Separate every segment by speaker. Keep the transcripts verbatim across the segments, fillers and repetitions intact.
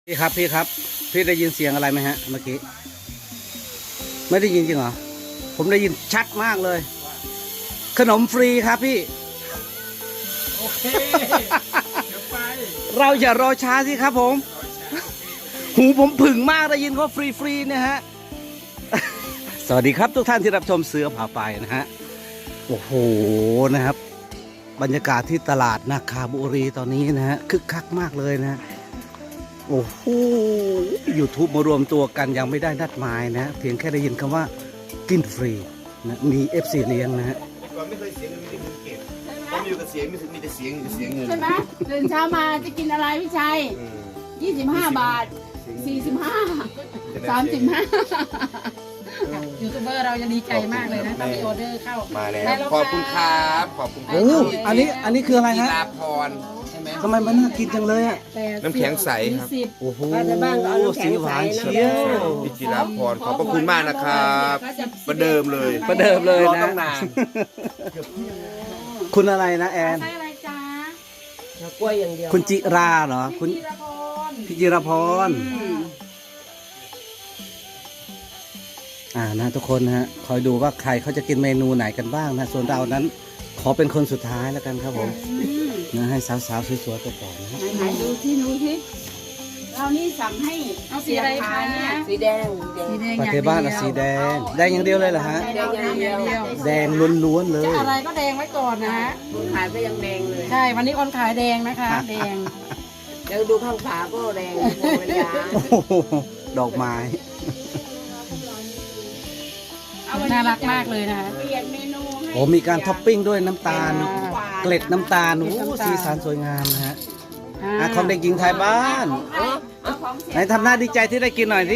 Speaker 1: พี่ครับพี่ครับพี่ได้ยินเสียงอะไรไหมฮะเมื่อกี้ไม่ได้ยินจริงเหรอผมได้ยินชัดมากเลยขนมฟรีครับพี่โอเคเดี๋ยวไปเราอย่ารอช้าสิครับผมหูผมผึ่งมากได้ยินว่าฟรีฟรีเนี่ยฮะสวัสดีครับทุกท่านที่รับชมเสือผ่าไปนะฮะโอ้โหนะครับบรรยากาศที่ตลาดนาคาบุรีตอนนี้นะฮะคึกคักมากเลยนะโอ้โหยูทูบมารวมตัวกันยังไม่ได้นัดหมายนะเพียงแค่ได้ยินคำว่ากินฟรีนะมี เอฟ ซี เลี้ยงนะฮะ
Speaker 2: ก่อนไม่เคยเสียเงินไม่ได้เงินเก็บตอนอยู่กับเสียงมีแต่เสียงมีแต่เสียงเงิน
Speaker 3: ใช่ไหมตื่นเช้ามาจะกินอะไรพี่ชัยยี่สิบห้าบาทสี่สิบห้าสามสิบห้า
Speaker 4: ยูทูบเบอร์เราจะดีใจมากเลยนะถ้ามีออเดอร์เข้า
Speaker 2: มาแล้วขอบคุณครับขอบคุณครั
Speaker 1: โอ้อันนี้อันนี้คืออะไร
Speaker 2: กี
Speaker 1: ฮะ
Speaker 2: ฬาพรใช่ไหม
Speaker 1: ทำไมมันน่ากินจังเลยอ่ะ
Speaker 2: น้ำแข็งใสครับ
Speaker 1: โอ้โหสีหวานเชียว
Speaker 2: พี่กีฬาพรขอบพระคุณมากนะครับประเดิมเลย
Speaker 1: ประเดิมเลย
Speaker 2: รอ
Speaker 1: นะ
Speaker 2: ตั้งนาน
Speaker 1: คุณอะไรนะแอน
Speaker 4: ใช่อะไรจ้าก
Speaker 3: ล้วยอย่างเดียว
Speaker 1: คุณจิราเหรอคุณ
Speaker 4: ธีรพร
Speaker 1: พี่จิรพรอ่านะทุกคนนะฮะคอยดูว่าใครเขาจะกินเมนูไหนกันบ้างนะส่วนเรานั้นขอเป็นคนสุดท้ายแล้วกันครับผมนะให้สาวๆสวยๆไปก่อนนะฮะ
Speaker 3: ไหนๆดูที่นู้นที่เรานี่สั่งให้
Speaker 4: เอาสีอะไรคะ
Speaker 3: เนี่ยสีแดงสีแดง
Speaker 4: สีแดง
Speaker 1: ปฏิบ้านเอาสีแดงแดงอย่างเดียวเลยเหรอฮะ
Speaker 3: แดงอย่างเดียว
Speaker 1: แดงล้วนๆเลย
Speaker 4: จะอะไรก็แดงไว้ก่อนนะฮะ
Speaker 3: ขายก็ยังแดงเลย
Speaker 4: ใช่วันนี้คนขายแดงนะคะ แดง
Speaker 3: เดี๋ยวดูข้างฝาก็แดงเวลา
Speaker 1: โอ้โหดอกไม้
Speaker 4: น่ารักมากเลยนะ
Speaker 3: เปลี่ยนเมนูให้
Speaker 1: โอ้มีการท็อปปิ้งด้วยน้ำตาล
Speaker 3: หวาน
Speaker 1: เกล็ดน้ำตาลโอ้
Speaker 4: เกล็ดน้ำตาล
Speaker 1: สีสันสวยงามนะฮะ
Speaker 4: อ่า
Speaker 1: อ่ะของเด็กหญิงไทยบ้าน
Speaker 3: เอาของเสีย
Speaker 1: ไหนทำหน้าดีใจที่ได้กินหน่อยสิ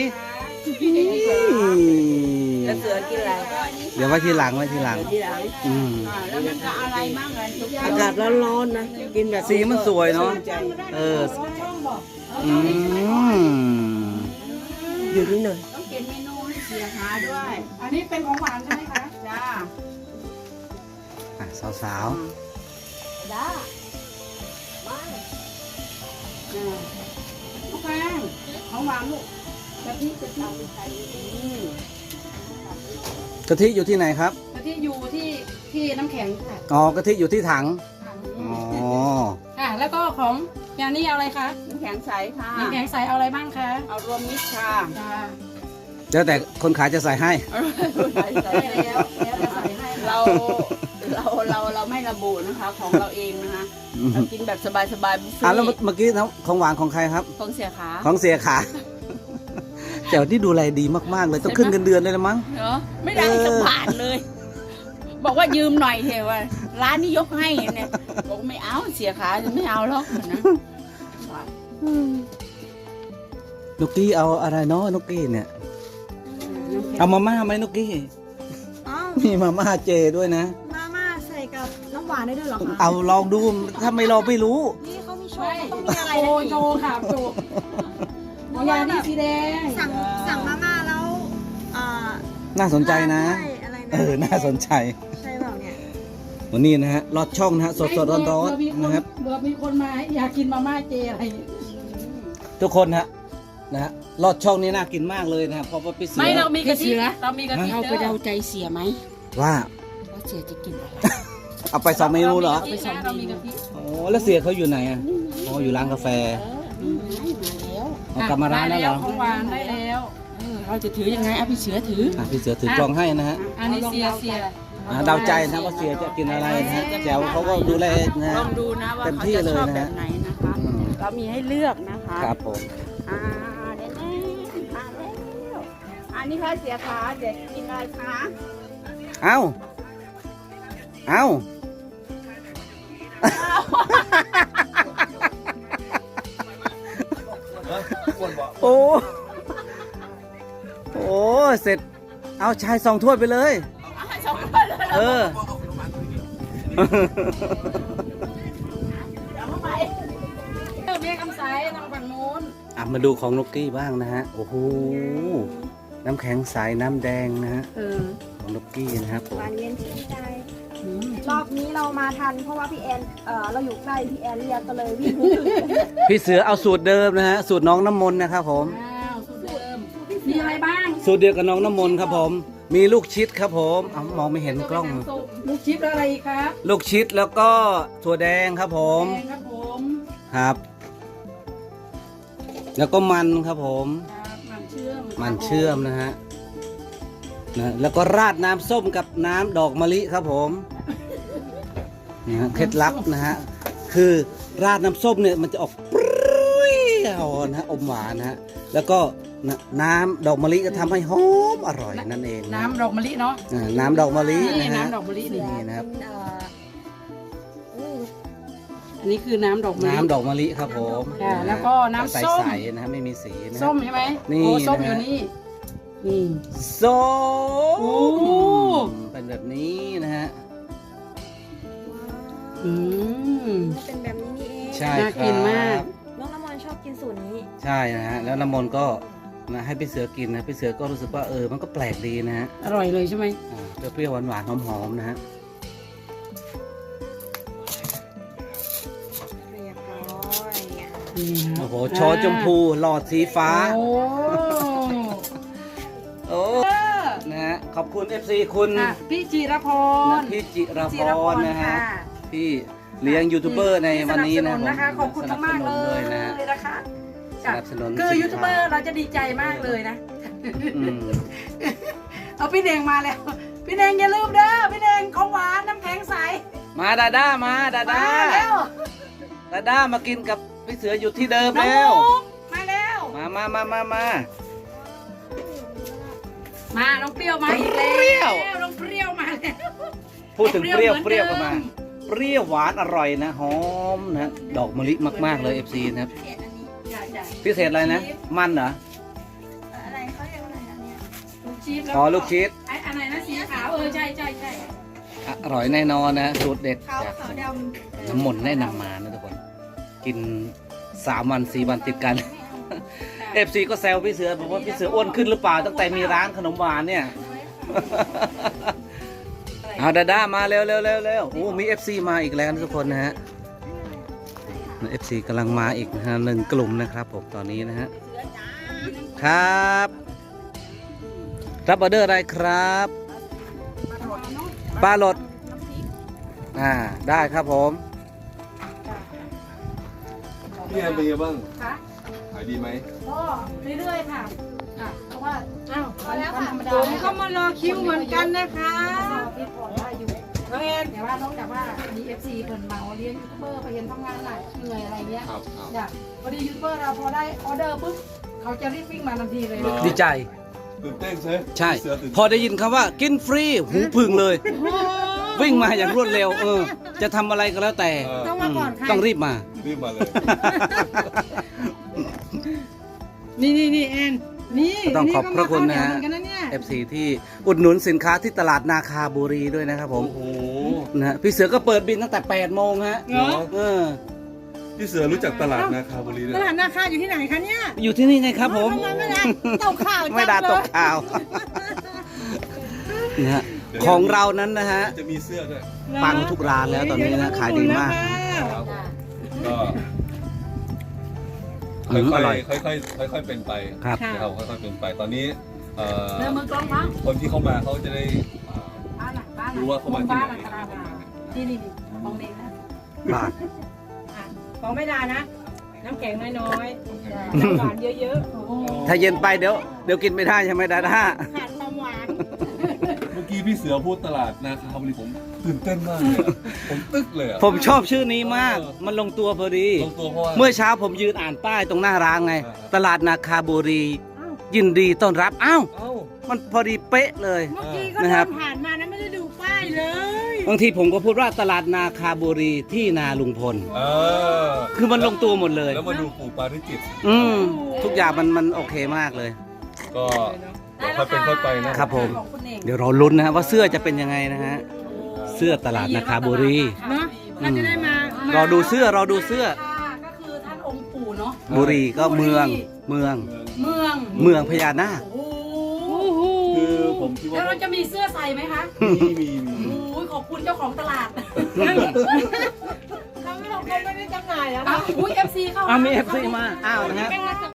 Speaker 3: แล้วเสือกินอะไร
Speaker 1: เดี๋ยวไว้ทีหลังไว้ทีหลัง
Speaker 3: ทีหลัง
Speaker 1: อืม
Speaker 3: อ่าแล้วมันจะอะไรบ้างกันทุกอย่าง
Speaker 5: อากาศร้อนๆนะกินแบบ
Speaker 1: สีมันสวยเนาะเอออืม
Speaker 5: อยู่นี่หน่อย
Speaker 3: ต้องเขียนเมนูให้เสียหาด้วย
Speaker 4: อันนี้เป็นของหวานใช่ไหมคะ
Speaker 3: จ้า
Speaker 1: อ่ะสาว
Speaker 3: ด้ามาอ่าลูกแป้งของหวานลูกกะทิกะทิใส่นี่
Speaker 1: ๆกะทิอยู่ที่ไหนครับ
Speaker 4: แต่ที่อยู่ที่ที่น้ำแข็งค่ะ
Speaker 1: อ๋อกะทิอยู่ที่ถังอ๋อ
Speaker 4: ค่ะแล้วก็ของอย่างนี้เอาอะไรคะ
Speaker 3: น้ำแข็งใสค่ะ
Speaker 4: น้ำแข็งใสเอาอะไรบ้างคะ
Speaker 3: เอารวมมิตรค่ะ
Speaker 4: จ้า
Speaker 1: แล้วแต่คนขายจะใส่ให้
Speaker 3: ใส่ใส่
Speaker 4: ได้แล้วแล้วจะใส่ให้
Speaker 3: เราเราเราเราไม่ระบุนะคะ ของเราเองนะคะเรากินแบบสบายๆบุฟเฟ่
Speaker 1: อ่ะแล้ว
Speaker 3: ต์
Speaker 1: เมื่อกี้ของหวานของใครครับ
Speaker 3: ของเสียขา
Speaker 1: ของเสียขา แต่ที่ดูแลดีมากๆเลยต้องขึ้นเงินเดือนเลยละมั้ง
Speaker 3: เนาะไม่ได้สักบาทเลย บอกว่ายืมหน่อยเถอะว่าร้านนี้ยกให้เนี่ยบอกไม่เอาเสียขาจะไม่เอาหรอกนะ
Speaker 1: นุกกี้เอาอะไรเนาะนุกกี้เนี่ย เอามาม่าไหมนุกกี้
Speaker 5: อ้าว
Speaker 1: มีมาม่าเจด้วยนะ
Speaker 5: มาม่าใส่กับน้ำหวานได้ด้วยเหรอคะ
Speaker 1: เอาลองดูถ้าไม่ลองไม่รู้
Speaker 5: นี่เขามีโชว์ต้องมีอะไร
Speaker 4: โช
Speaker 5: นะ
Speaker 4: ว์โชว์ค่ะโชว์ของยาดีสีแดง
Speaker 5: สั่งสั่งมาม่าแล้วอ่า
Speaker 1: น่าสนใจนะ
Speaker 5: ใช่อะไรนะ
Speaker 1: เออ น่าสนใจ
Speaker 5: ใช่เปล่าเนี่ย
Speaker 1: วันนี้นะฮะลอดช่องนะฮะสดสดร้อนร้อนๆนะครับ
Speaker 4: เบื่อมีคนมาอยากกินมาม่าเจอะไรอย่างเงี้ย
Speaker 1: ทุกคนฮะนะฮะลอดช่องนี้น่ากินมากเลยนะครับเพราะว่าพี่เสือ
Speaker 4: ไม่เรามีกะทิเรามีกะทิ
Speaker 3: เอาไปเดาใจเสียไหม
Speaker 1: ว่า
Speaker 3: ว่าเสียจะกินอะไร
Speaker 1: เอาไปสองเมนูเหรอ
Speaker 4: ไปสองเรามีกะทิ
Speaker 1: โอ้แล้วเสียเขาอยู่ไหนอ่ะอ๋ออยู่ร้านกาแฟ
Speaker 3: มาแล้ว
Speaker 1: เอากลับมาร้านแล้วเหรอ
Speaker 4: ของหวานได้แล้ว
Speaker 3: เออเราจะถือยังไงเอาพี่เสือถือ
Speaker 1: อ่ะพี่เสือถือกล่องให้นะฮะ
Speaker 4: อันนี้เสียเสีย
Speaker 1: อ่ะเดาใจนะว่าเสียจะกินอะไรนะฮะแจ๋วเขาก็ดูแลนะ
Speaker 3: ล
Speaker 1: ฮะ
Speaker 3: องดูนะว่า
Speaker 1: เต็ม
Speaker 3: เขา
Speaker 1: ที่
Speaker 3: จะ
Speaker 1: เลย
Speaker 3: ชอบ
Speaker 1: นะ
Speaker 3: แบ
Speaker 1: ฮะ
Speaker 3: บไหนนะคะ
Speaker 1: อืม
Speaker 3: เรามีให้เลือกนะคะ
Speaker 1: ครับผม
Speaker 3: อ่าเด่นๆมาแล้วอันนี้ค่ะเสียขาเด็กกินอะไรคะ
Speaker 1: เอ้าเอ้าโอ้โอ้เสร็จเอาชายสองถ้วยไปเลย
Speaker 3: เอาให้สองคนเลย
Speaker 1: เออ
Speaker 3: เดี๋ยวเข้าไป
Speaker 4: เออเมียคำใสทางฝั่งนู้น
Speaker 1: อ่ะมาดูของนกกี้บ้างนะฮะ โอ้โห น้ำแข็งใสน้ำแดงนะฮะ
Speaker 3: เออ
Speaker 1: ของนกกี้นะครับผม
Speaker 5: หวานเย็นชื่นใจ
Speaker 3: อืม
Speaker 5: รอบนี้เรามาทันเพราะว่าพี่แอนเอ่อเราอยู่ใกล้พี่แอนเรียกก็เลยวิ่ง
Speaker 1: พี่เสือเอาสูตรเดิมนะฮะสูตรน้องน้ำมนต์นะครับผม
Speaker 4: อ้าวสูตรเดิมมีอะไรบ้าง
Speaker 1: สูตรเดียวกับน้องน้ำมนต์ครับผม มีลูกชิดครับผมเอามองไม่เห็นกล้อง
Speaker 4: ลูกชิปแล้วอะไรอีกครับ
Speaker 1: ลูกชิดแล้วก็ถั่วแดงครับผม
Speaker 4: แดงครับผม
Speaker 1: ครับ แล้วก็มันครับผม
Speaker 4: ครับมันเชื่อม
Speaker 1: มันเชื่อมนะฮะนะแล้วก็ราดน้ำส้มกับน้ำดอกมะลิครับผมนี่ฮะเคล็ดลับนะฮะคือราดน้ำส้มเนี่ยมันจะออกเปรี้ยวนะฮะอมหวานนะฮะแล้วก็นะน้ำดอกมะลิก็ทำให้หอมอร่อยนั่นเองะ
Speaker 4: น้ำดอกมะลิเนาะ
Speaker 1: อ่าน้ำดอกมะลิ
Speaker 4: นี่
Speaker 1: นะฮะ
Speaker 4: น้ำดอกมะลินี่
Speaker 1: นี่นะครับ
Speaker 5: เอ่ออู้
Speaker 4: อันนี้คือน้ำดอกมะลิ
Speaker 1: น้ำดอกมะลิครับผม
Speaker 4: ค่ะ แล้วก็น้ำส้ม
Speaker 1: ใสๆนะฮะไม่มีสีนะฮะ
Speaker 4: ส้มใช่ไหม
Speaker 1: นี่
Speaker 4: โอ้ส้ม
Speaker 1: นะ
Speaker 4: อยู่
Speaker 1: ฮะ
Speaker 4: นี่นี่
Speaker 1: ส้ม
Speaker 4: โอ้
Speaker 1: เป็นแบบนี้นะฮะ
Speaker 4: อืม
Speaker 5: เป็นแบบนี้นี่เอง
Speaker 1: ใช่
Speaker 4: น่า
Speaker 1: ครั
Speaker 4: กินมาก
Speaker 1: บ
Speaker 5: น้องน้ำมนต์ชอบกินสูตรนี้
Speaker 1: ใช่นะฮะแล้วน้ำมนต์ก็นะให้พี่เสือกินนะพี่เสือก็รู้สึกว่าเออมันก็แปลกดีนะฮะ
Speaker 4: อร่อยเลยใช่ไหม
Speaker 1: อ่าเปรี้ยวๆหวานๆหอมๆนะฮะ
Speaker 5: เรียบร้อย
Speaker 4: นี่ครับ
Speaker 1: โอ้โหชอชมพูหลอดสีฟ้า
Speaker 4: โอ้
Speaker 1: โอ้นะฮะขอบคุณ เอฟ ซี คุณ
Speaker 4: อ่ะพี่จิรพ
Speaker 1: นะ
Speaker 4: ร
Speaker 1: พี่จิร
Speaker 4: จิ
Speaker 1: พ
Speaker 4: รพ
Speaker 1: ร
Speaker 4: ร
Speaker 1: นะฮะ
Speaker 4: ค่ะ
Speaker 1: ที่เลี้ยงยูทูบเบอร์ในวันนี้นะ
Speaker 4: สบสนะคะ ขอบคุณมากๆเล
Speaker 1: สนับสนุน
Speaker 4: ย
Speaker 1: นะฮะ
Speaker 4: นะคะ
Speaker 1: สนับสนุน
Speaker 4: คือ
Speaker 1: สินค้า
Speaker 4: ยูทูบเบอร์เราจะดีใจมากเลยนะ
Speaker 1: อืม
Speaker 4: เอาพี่เดงมาแล้ว พี่เดงอย่าลืมเด้อพี่เดงของหวานน้ำแข็งใส
Speaker 1: มาดาด้ามาดา
Speaker 4: มา
Speaker 1: ด้า
Speaker 4: แล้ว
Speaker 1: ดาด้ามากินกับพี่เสืออยู่ที่เดิม
Speaker 4: น้อง
Speaker 1: แล้ว
Speaker 4: มุกมาแล้ว
Speaker 1: มามามามามา
Speaker 4: มาน้องเปรี้ยวมาอีกแล้ว
Speaker 1: เปรี้ยว
Speaker 4: น้องเปรี้ยวมาแล้ว
Speaker 1: พูดถึงเปรี้ยว
Speaker 4: เป
Speaker 1: เป
Speaker 4: รี้
Speaker 1: รี้
Speaker 4: ย
Speaker 1: ยว ว
Speaker 4: เหมื
Speaker 1: ก็
Speaker 4: อนเดิ
Speaker 1: มาม เปรี้ยวหวานอร่อยนะหอมนะดอกมะลิมากๆเลย เอฟ ซี นะครับ
Speaker 5: เผ็ดอันนี้
Speaker 4: จ้ะจ้ะ
Speaker 1: พิเศษอะไรนะ มันเหรอ
Speaker 5: อะไรเขาเรียกว่าอะไรนะเนี่ย
Speaker 4: ลูกชีสแล้ว
Speaker 1: อ๋อลูกชิด
Speaker 4: ไอ้อันไหนนะสีขาวเออใช่ใช่ใช่
Speaker 1: อร่อยแน่นอนนะสูตรเด็ด
Speaker 5: ขาว
Speaker 1: จาก
Speaker 5: ขาวดำ
Speaker 1: น้ำมนต์แนะนำมานะทุกคน กินสามวันสี่วันติดกัน เอฟซีก็แซวพี่เสือบอกว่าพี่เสืออ้วนขึ้นหรือเปล่าตั้งแต่มีร้านขนมหวานเนี่ย เอาดาด้ามาเร็วเร็วเร็วเร็วโอ้มี เอฟ ซี มาอีกแล้วนะทุกคนนะฮะ เอฟ ซี กำลังมาอีกนะฮะหนึ่งกลุ่มนะครับผมตอนนี้นะฮะ ครับ รับออเดอร์อะไรครับปลาหลดอ่าได้ครับผม
Speaker 2: พี่แอนเป็นยังไงบ้าง
Speaker 4: ค่ะ
Speaker 2: ขายดีไหม
Speaker 4: ก็เรื่อยๆค่ะค่ะเพราะว่าอ้าววันวันธรรมดา
Speaker 3: ผมก็มารอคิวเหมือนกันนะคะ
Speaker 4: ที่ผ่อนได้อยู่
Speaker 3: น้องแอน
Speaker 4: แต่ว่านอกจากว่ามีเอฟซีเพิ่นเมาเลี้ยงยูทูบเบอร์ไปเห็นทำงานหนักเหนื่อยอะไรเงี้ย
Speaker 2: ครับครับ
Speaker 4: อยากพอดียูทูบเบอร์เราพอได้ออเดอร์ปุ๊บเขาจะรีบวิ่งมาทันทีเลย
Speaker 2: เหรอ
Speaker 1: ดีใจ
Speaker 2: ตื่นเต้นใช่ไหม
Speaker 1: ใช่
Speaker 2: เสือตื่น
Speaker 1: พอได้ยินคำว่ากินฟรีหูพึ่งเลย วิ่งมาอย่างรวดเร็ว เออ จะทำอะไรก็แล้วแต่
Speaker 2: เออ
Speaker 3: ต้องมาก่อนใคร
Speaker 1: ต้องรีบมา
Speaker 2: รีบมาเลย
Speaker 3: นี่นี่นี่แอนนี่
Speaker 1: ต้องขอบพระคุณนะฮะ
Speaker 3: เหมือนกันนะเนี่ย
Speaker 1: เอฟ ซี ที่อุดหนุนสินค้าที่ตลาดนาคาบุรีด้วยนะครับผม
Speaker 2: โอ้โห
Speaker 1: นะฮะพี่เสือก็เปิดบินตั้งแต่แปดโมงฮะ
Speaker 3: เหรอ
Speaker 1: เออ
Speaker 2: พี่เสือรู้จักตลาดนาคาบุรีด้วย
Speaker 3: ตลาดนาคาอยู่ที่ไหนคะเนี่ย
Speaker 1: อยู่ที่นี่ไงครับผม
Speaker 3: ทำไมไม่ได้ตกข่าวจัง
Speaker 1: ไม่ได้ตก
Speaker 3: เลย
Speaker 1: ข่าวนะฮะของเรานั้นนะฮะ
Speaker 2: จะมีเสื้อด้วย
Speaker 1: ปังทุกร้านแล้วตอนนี้นะขายดีมาก
Speaker 2: ครับก็
Speaker 1: อืมอ
Speaker 2: ค่
Speaker 1: ร่
Speaker 2: อ
Speaker 1: อย
Speaker 2: ยๆค่อยๆค่อยๆเป็นไป
Speaker 1: ครับ
Speaker 3: ค่ะ
Speaker 2: นะครับค่อยๆเป็นไปตอนนี้เอ่อ
Speaker 4: เริ่มมือกล้องมั้ง
Speaker 2: คนที่เข้ามาเขาจะได้เอ่อ
Speaker 4: บ้านหลังบ้านหลัง
Speaker 2: รู้ว่าเขามาที่
Speaker 4: บ้าน
Speaker 2: ไห
Speaker 4: ห
Speaker 2: น
Speaker 4: ลังตลาดมานี่นี่นี่มองเองนะ
Speaker 1: บาท
Speaker 3: ของไม่ได้นะ น้ำแข็งน้อยๆน้ำหวานเยอะ
Speaker 4: โอ้โห
Speaker 1: ถ้าเย็นไปเดี๋ยวเดี๋ยวกินไม่ได้ใช่ไหมดาด้า
Speaker 3: ๆขาดความหวาน
Speaker 2: เมื่อกี้พี่เสือพูดตลาดนาคาบุรีผมตื่นเต้นมากเลยอะผมตึ๊กเลยอะ
Speaker 1: ผมชอบชื่อนี้มาก มันลงตัวพอดี
Speaker 2: ลงตัวเพราะว่า
Speaker 1: เมื่อเช้าผมยืนอ่านป้ายตรงหน้าร้านไง
Speaker 2: อ่าฮะ
Speaker 1: ตลาดนาคาบุรี ยินดีต้อนรับ อ้าว
Speaker 2: เอ้า
Speaker 1: มันพอดีเป๊ะเลย
Speaker 3: เมื่อกี้ก็
Speaker 1: นะค
Speaker 3: เดิ
Speaker 1: รับ
Speaker 3: นผ่านมานะไม่ได้ดูป้ายเลย
Speaker 1: บางทีผมก็พูดว่าตลาดนาคาบุรีที่นาลุงพล
Speaker 2: เออ
Speaker 1: คือมันลงตัวหมดเลย
Speaker 2: แล้วมาดูปู่ปาริจิต
Speaker 1: อืมทุกอย่างมันมันโอเคมากเลย
Speaker 2: ก็เดี๋ยวค่อยเป็นค่อยไปนะครับ
Speaker 1: ผม
Speaker 4: ของคุณเอง
Speaker 1: เดี๋ยวเราลุ้นนะฮะว่าเสื้อจะเป็นยังไงนะฮะ เสื้อตลาดนาคาบุรี
Speaker 3: เนาะเราจะได้มา
Speaker 1: รอดูเสื้อรอดูเสื้อ
Speaker 4: ก็คือท่านองค์ปู่เนาะ
Speaker 1: บุรีก็เมืองเมือง
Speaker 4: เมือง
Speaker 1: เมืองพญานาค
Speaker 4: โอ้โห
Speaker 3: โอ้โห
Speaker 2: คือผมคิด
Speaker 4: แล้ว
Speaker 2: ว่า
Speaker 4: เราจะมีเสื้อใส่ไหมคะ
Speaker 2: มีมีมี
Speaker 4: โอ้ยขขอบคุณเจ้าของตลาด
Speaker 5: เขาไม่เราเขาไม่ได้จำหน่ายแล้ว
Speaker 4: อ้าวอุ้ยเอฟซีเข้า
Speaker 1: เอามีเอฟซีมา อ้าวนะฮะ
Speaker 5: เป็น